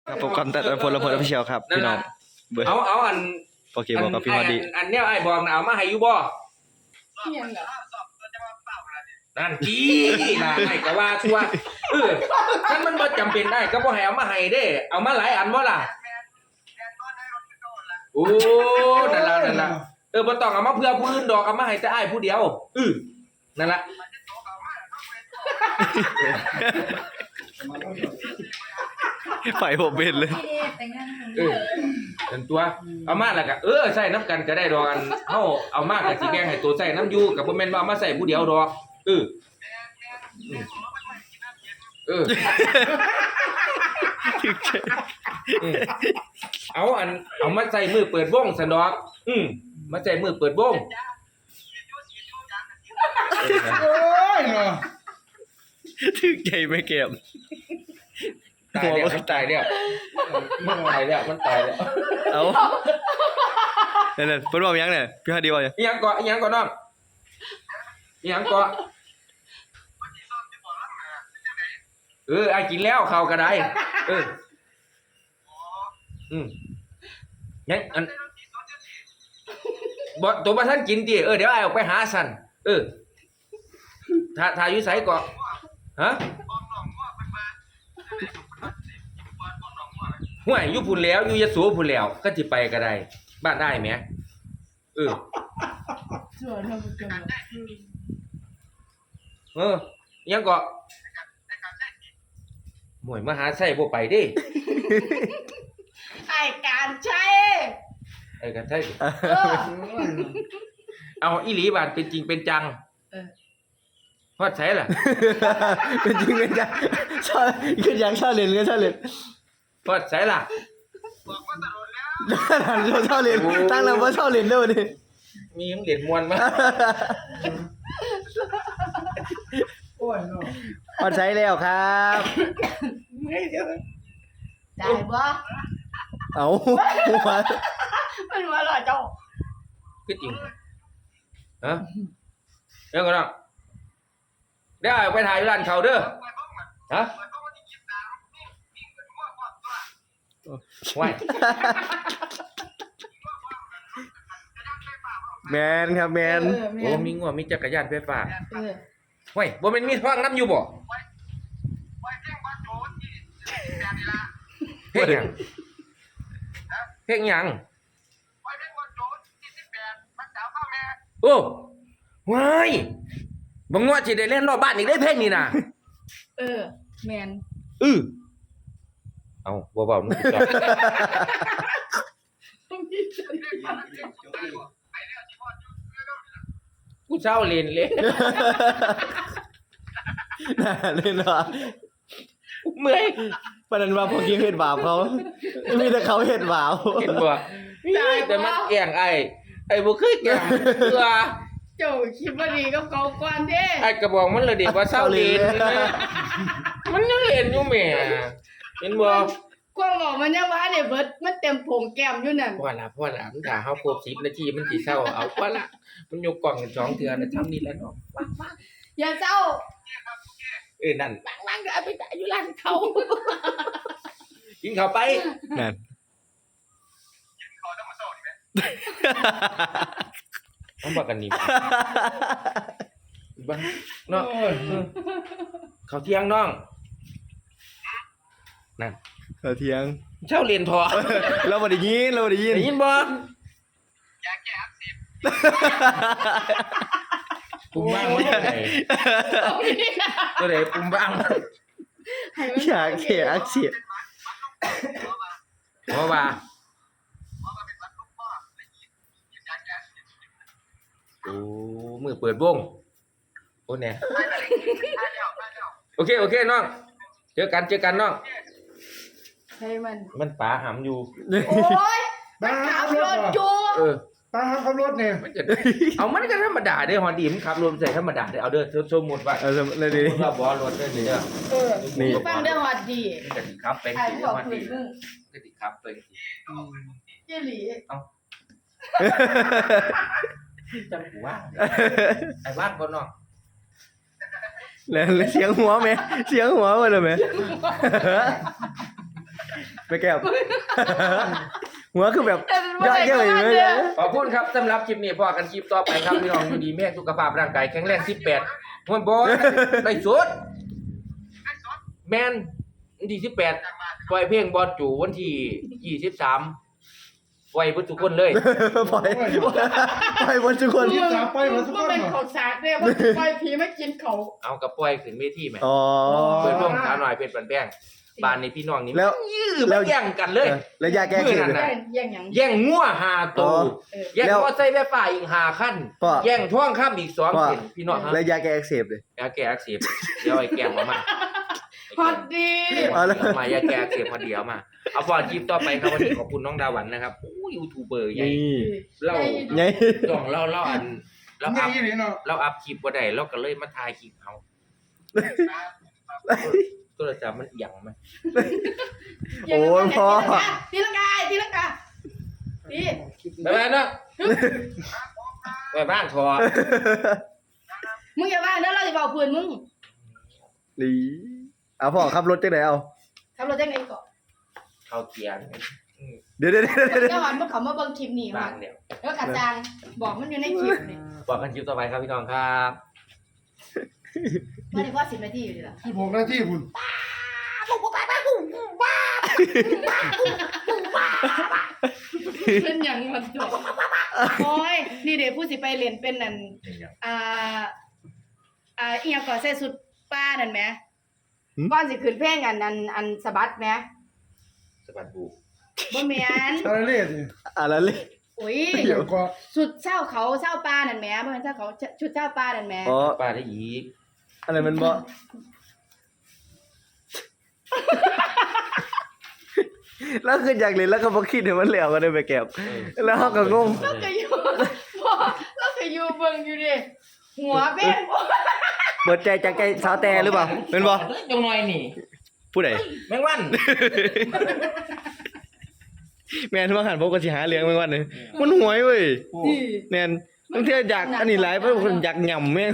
ครับผมกำตัดพลพลพิเชียวครับพี่น้องเบอร์เอาอันโอเคบอกกับพี่ฮอดดีอันเนี้ยไอ้บอกนะเอามาให้อยู่บ่เพียงเหรอนั่นจี้นะไอ้ก็ว่าชัวท่านมันบ่จำเป็นได้ก็บ่ให้เอามาให้เด้เอามาหลายอันบ่ล่ะโอ้นั่นล่ะบ่ต้องเอามาเพื่อผู้อื่นดอกเอามาให้แต่อ้ายผู้เดียวนั่นล่ะไฟผมเป็นเลยพี่เดชแต่งงานของเธอเป็นตัวเอามาแล้วก็ใส่น้ำกันก็ได้ดอกอันเฮาเอามาก็สิแบ่งให้ตัวใส่น้ำอยู่ก็บ่แม่นว่าเอามาใส่ผู้เดียวดอกเอามาใส่มือเปิดวงซั่นดอกมาใส่มือเปิดวงโอ้ยเนาะถึงใจไม่เก็บตายแล้วมันตายแล้วมันตายแล้วเอาเนี่ยเพิ่นบอกยังเนี่ยพี่ฮอดดีบอกยังอีหยังเกาะน้องอีหยังเกาะไอ้กินแล้วข้าวก็ได้งั้นอันบ่ตัวบ่ทันกินติเดี๋ยวไอ้ออกไปหาสั่นถ้าอยู่ไสเกาะฮะห่วยอยู่พุ่นแล้วอยู่ยโสพุ่นแล้วก็สิไปก็ได้บ้านได้แหมส่วนเราบุกเกินยังก็หมวยมหาไส้บ่ไปดิไอการใช้ไอ้กันไส้เอาอีหลีบานเป็นจริงเป็นจังฮอดใช้ล่ะเป็นจริงเป็นจังชอบคือยังชอบเล่นก็ชอบเล่นฮอดใช้ล่ะชอบเล่นตั้งแล้วว่าชอบเล่นด้วยดิมีเหรียญมวลมั้ยโอ้ยเนาะพอใช้แล้วครับได้บ่เอามันว่าหล่อเจ้าคือจริงฮะเดี๋ยวก่อนนะเดี๋ยวไปถ่ายร้านเขาเด้อฮะว้ายแมนครับแมนโอ้มีงัวมีจักรยานไฟฟ้าเออว้ายบ่แม่นมีฟังน้ำอยู่บ่เพลงหยังเพลงหยังโอ้ว้ายบ่งัวสิได้เล่นรอบบ้านอีกได้เพลงนี้น่ะแมนเอาบ่เว้ามึงจับกูเศร้าเล่นเลยน่าเล่นว่ะเมื่อยประเด็นว่าพวกกี้เห็นบาปเขามีแต่เขาเห็นบาปเห็นบ่แต่มันแกล้งไอ้บ่เคยแกล้งเพื่อเจ้าคิดว่าดีกับเขาก่อนเด้ไอ้กระบอกมันเลยเด็กว่าเศร้าเล่นมันยังเล่นอยู่แหม่เห็นบ่กวางบอกมันยังว่าเนี่ยเบิดมันเต็มผงแก้มอยู่นั่นพอละมันถ้าเฮาครบ10นาทีมันสิเศร้าเอาพอละมันยกกล่องกัน2เทื่อนะทำนี่แล้วเนาะอย่าเศร้านั่นบางก็เอาไปตายอยู่ร้านเขากินข้าวไปนั่นต้องบอกกันนี่บ้างเนาะข้าวเที่ยงน้องนั่นเราเทียงเช้าเรียนทอเราบ่ได้ยินได้ยินบ่ปุ่มบ้างมันตัวไหนปุ่มบ้างให้มันอยากเขียอักเสียเพราะว่าโอ้มือเปิดวงโอ้เนี่ยโอเคน้องเจอกันน้องให้มันป๋าหำอยู่โอ้ยมันขับรถจูตาขับรถเนี่ยมันจะเอามันก็ธรรมดาเด้อฮอนดีมันขับรถใส่ธรรมดาเด้อเอาเด้อสมมุติว่าเลยดีว่าบ่รถเด้อนี่เด้อนี่ฟังได้ฮอดดีมันก็สิขับเป็นไอ้สิบอกฮอนคืดีนนึงก็สิขับเป็นสิเจหลีจำกูว่าไอ้ว่างก่อนน้องแล้วเสียงหัวไหมเสียงหัวมาเลยไหมไม่แก้ว หัวคือแบบยอดเยอะเลยขอบคุณครับสำหรับคลิปนี้พอกันคลิปต่อไปครับพี่น้องอยู่ดีแม่สุขภาพร่างกายแข็งแรง18มันบ่ได้สุดแม่นวันที่18ปล่อยเพลงบอลจูวันที่23ปล่อยเพิ่นทุกคนเลยปล่อยบนทุกคนมันเป็นของสากเนี่ยมันปล่อยผีมากินเขาเอากับปล่อยขึ้นเวทีแหมอ๋อเปิดวงสาวหน่อยเป็นปันแป้งบ้านนี้พี่น้องนี่แล้วยื้อมาแย่งกันเลยแล้วยาแก้เข็มมื้อนั้นเลยน่ะแย่งหยังแย่งงัว5 อ๋ตัอว แย่งแล้วมอไซค์ไฟฟ้าอีก5คันพ่อแย่งท้องข้ามอีก2 พ่อเส้นพี่น้องฮะแล้วยาแก้อักเสบเลยยาแก้อักเสบเดี๋ยวไอ้แก้มมาฮอตดีเอาแล้วมายาแก้อักเสบมาเดี๋ยวมาเอาพอคลิปต่อไปครับวันนี้ขอบคุณน้องดาวันนะครับโอ้ยูทูบเบอร์ใหญ่นี่เราไงต้องเราอันเรานี่อัพนี่เนาะเราอัพคลิปบ่ได้เราก็เลยมาถ่ายคลิปเอาโทรศัพท์มันเอียงมั้ยโอ้ยพ่อตีลังกาตีไปบ้านเนาะไปบ้านทอมึงอย่าว่าเด้อเราจะบอกเพื่อนมึงหลีเอาพ่อขับรถจังไหนเอาทำเราได้ไงก่อนเข้าเกียร์เดี๋ยวเจ้าหวันพวกเขามาเบิ่งคลิปนี้บ้ามานเดียวแล้วกระจางบอกมันอยู่ในคลิปนี่บอกกันคลิปต่อไปครับพี่น้องครับว่าได้พอ10 นาทีอยู่ดีล่ะ 16 นาทีคุณเป็นหยังมันจบโอ้ยนี่เดี๋ยวผู้สิไปเรียนเป็นนั่นอีหยังก่อนใส่สุดป้านั่นแหมก่อนสิขึ้นเพลงอันสะบัดแหมสบัดบูบ่แม่นอะไรเล่สิอะไรเลยโอ้ยเดี๋ยวก็สุดเช้าเขาเช้าป้านั่นแหมบ่แม่นเช้าเขาชุดเช้าป้านั่นแหมอ๋อป้าได้อีกอะไรมันบ่แล้วคืออยากเล่นแล้วก็บ่คิดให้มันแล้วก็ได้ไปแก็บแล้วเขาก็งงเราก็อยู่บ่เราก็อยู่เบิ่งอยู่ดิหัวเป็นเปิดใจจากใจสาวแต่หรือเปล่าเป็นบ่จงหน่อยนี่ผู้ใดแมงวันแม่นว่าหันพวกก็สิหาเรื่องแม่งวันนึงมันหวยเว้ยแม่นบางเทื่ออยากอันนี้หลายเพราะคนอยากหย่ำแม่ง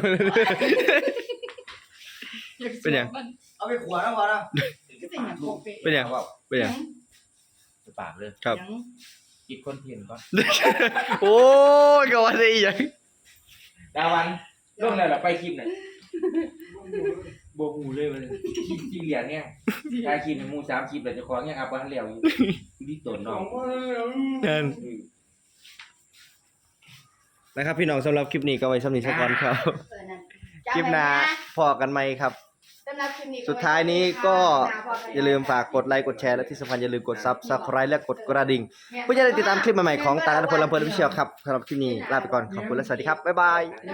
เป็นหยังเอาไปขวดนะวะนะเป็นหยังโปเปเป็นหยังเป็นหยังปากเลยครับคิดคนเพียนก่อนโอ้ยก็ว่าได้อีหยังดาวันร่วงแล้วล่ะไปคลิปน่ะโบกูเลยมันที่เหรียญเนี่ยถ่ายคลิปหมู่3คลิปแล้วเจ้าของยังอัพบ่ทันแล้วอยู่ที่ต้นน้องนั่นนะครับพี่น้องสำหรับคลิปนี้ก็ไว้สำหรับนี้สักก่อนครับ คลิปหน้าพอกันไหมครับสำหรับคลิปนี้สุดท้ายนี้ก็อย่าลืมฝากกดไลค์กดแชร์และที่สำคัญอย่าลืมกด Subscribe และกดกระดิ่งเพื่อจะได้ติดตามคลิปใหม่ๆของตาลพลลำเพลินวิเชียวครับสำหรับคลิปนี้ลาไปก่อนขอบคุณและสวัสดีครับบ๊ายบาย